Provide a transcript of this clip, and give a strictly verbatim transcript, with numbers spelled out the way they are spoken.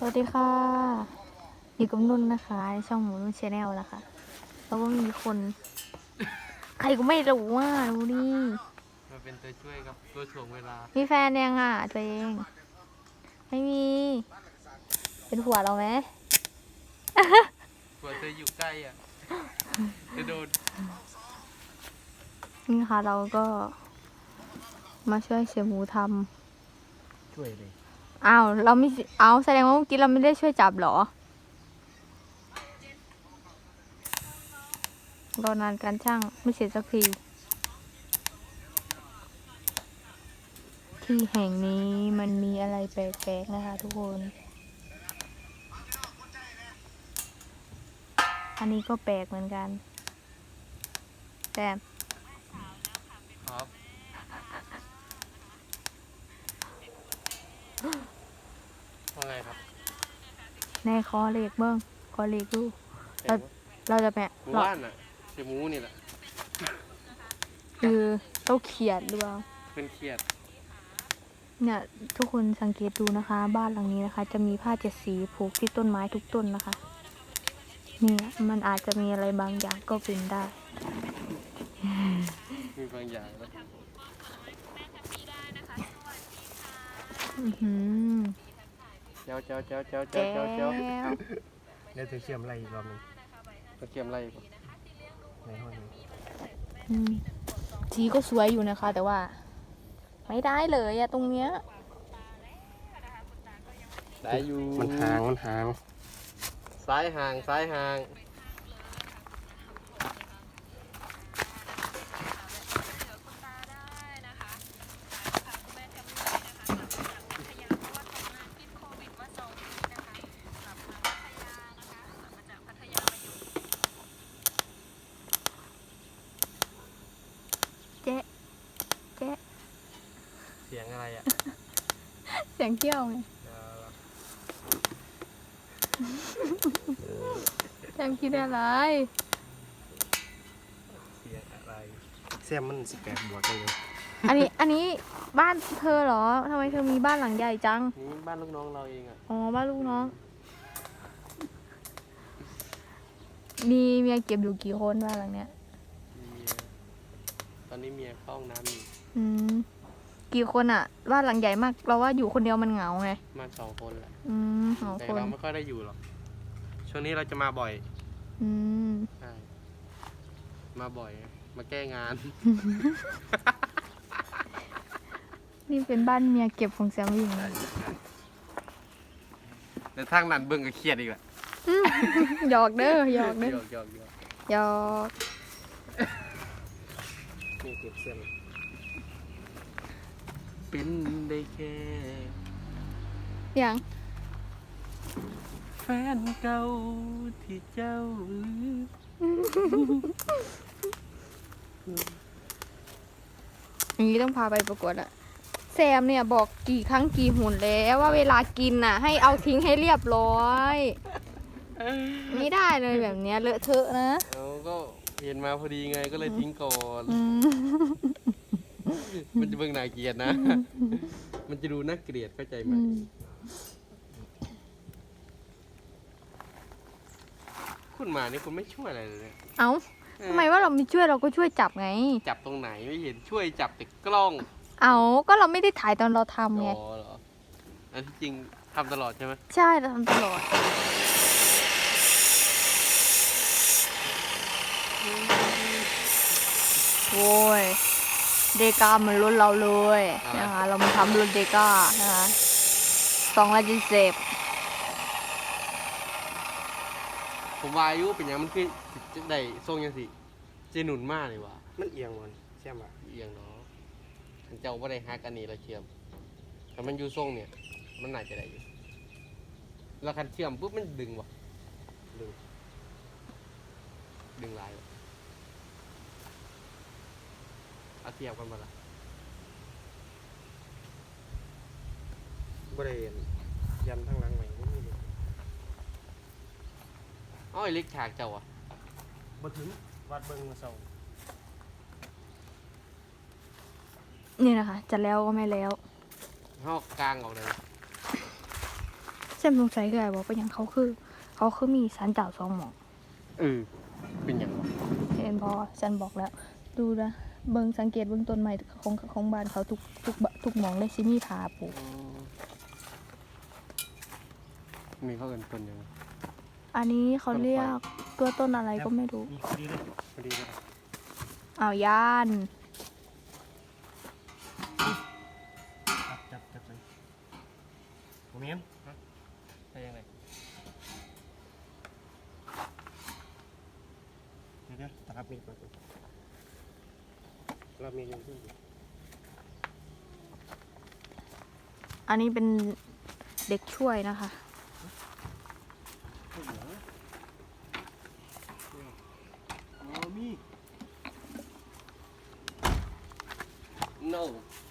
วัสดีค่ะอยู่กับนุ่นนะคะในช่องหมูนุ่นชาแนลนะคะแล้วก็มีคน ใครก็ไม่รู้ว่าดูดิมาเป็นตัวช่วยครับตัวถ่วงเวลามีแฟนยังอ่ะตัวเอง ไม่มี เป็นผัวเราไหมกว่าเธออยู่ใกล้อ่ะจะโดนนี่ค่ะเราก็มาช่วยเสียหมูทช่วยเลยำอ้าวเราไม่เอาแสดงว่าเมื่อกี้เราไม่ได้ช่วยจับเหรอรอนานการช่างไม่เสร็จสักทีที่แห่งนี้มันมีอะไรแปลกๆนะคะทุกคนอันนี้ก็แปลกเหมือนกันแต่ครับว่าไงครับในคอเล็กเบิ้งคอเล็กดูเราเราจะแปะหมูว่านอ่ะเสียหมูนี่แหละคือเต้าเขียดหรือเปล่าเป็นเครียดเนี่ยทุกคนสังเกตดูนะคะ บ้านหลังนี้นะคะ จะมีผ้าเจ็ดสีผูกที่ต้นไม้ทุกต้นนะคะเนี่ยมันอาจจะมีอะไรบางอย่างก็เป็นได้มีบางอย่างแล้วอือหือเจ้าเจ้าเจ้าเจ้าแก้เจ้าเจ้าเจ้าวเดี๋ยวเธอเชื่อมอะไรอีกรอบหนึงตะเกียมอะไรก่อนในห้องนี้อืมสีก็สวยอยู่นะคะ แต่ว่า ไม่ได้เลยอะตรงเนี้ยได้อยู่มันห่างมันห่างซ้ายห่างซ้ายห่างเจ๊เจ๊เสียงอะไรอ่ะเสียงเกี้ยวไงแจมคิดอะไรเสียงอะไรแซมมันสิบแปดบวกกันเลยอันนี้อันนี้บ้านเธอเหรอทำไมเธอมีบ้านหลังใหญ่จังนี่บ้านลูกน้องเราเองอ่ะอ๋อบ้านลูกน้อง มีเมียเก็บอยู่กี่คนบ้านหลังเนี้ยมีเมียตอนนี้เมียเข้าห้องน้ำอยู่อืมกี่คนอ่ะบ้านหลังใหญ่มากเราว่าอยู่คนเดียวมันเหงาไงมาสองคนแหละอืมสองแต่คนเราไม่ค่อยได้อยู่หรอกช่วงนี้เราจะมาบ่อยอืมใช่ มาบ่อย มาแก้งานนี่เป็นบ้านเมียเก็บของแซมวิ่งนะแต่ทางนั้นเบิ่งก็เครียดอีกแหละอืมหยอกเด้อหยอกเด้อหยอกหยอกหยอกหยอกนี่เก็บเส้นเป็นได้แค่อย่างแฟนเก่าที่เจ้าลืมอย่างนี้ต้องพาไปประกวดอะแซมเนี่ยบอกกี่ครั้งกี่หนแล้วว่าเวลากินน่ะ ให้เอาทิ้งให้เรียบร้อยไม่ได้เลยแบบเนี้ยเลอะเทอะนะเราก็เห็นมาพอดีไงก็เลยทิ้งก่อนอืมมันจะเบิ่งน่าเกลียดนะ มันจะดูน่าเกลียดเข้าใจไหมอืมคุณมานี่คุณไม่ช่วยอะไรเลยเนี่ยเอ้าทำไมว่าเราไม่ช่วยเราก็ช่วยจับไงจับตรงไหนไม่เห็นช่วยจับแต่กล้องเอาก็เราไม่ได้ถ่ายตอนเราทำไงอ๋อเหรออันที่จริงทำตลอดใช่ไหมใช่เราทำตลอดโว้ยเดกามันรุ่นเราเลยนะคะ เรามาทำรุ่นเดกานะคะสองร้อยเจ็ดสิบผมว่าอายุเป็นอย่างมันคือจะได้ทรงยังสิเจหนุนมากเลยว่ะมันเอียงมันแซมอ่ะเอียงเนาะมันเจ้าว่าได้ฮักอันนี้เราเชื่อมแต่มันอยู่ทรงเนี่ย มันน่าจะได้อยู่แล้วคันเชื่อมปุ๊บมันดึงว่ะดึงดึงลายว่ะเอาเทียบกันมาละบริเวณยันทั้งหลังใหม่ไม่มีเลยอ้อยเล็กฉากเจ้าอ่ะบ่ถึงวัดเบิ่งมาเศร้านี่นะคะ จะแล้วก็ไม่แล้วห้อกกลางออกเลยแซมสงสัยคืออะไรบอกไปยังเขาคือ เขาคือมีสันเจ้าสองหมองเออเป็นหยังวะเห็นพอฉันบอกแล้ว ดูนะเบิ่งสังเกตเบิ่งต้นไม้ของของบ้านเขาทุกทุกบทุกหมองเลยสิมีผาปลูกมีเขาเอินต้นหยังอันนี้เขาเรียกตัวต้นอะไรก็ไม่รู้นี่พอดีเลยพอดีเลยอ้าวย่านจับจับจับเลยโมเมนต์ฮะใช่ยังไงเดี๋ยวเดี๋ยวตัดมีดก่อนเรามียังขึ้นอยู่อันนี้เป็นเด็กช่วยนะคะ no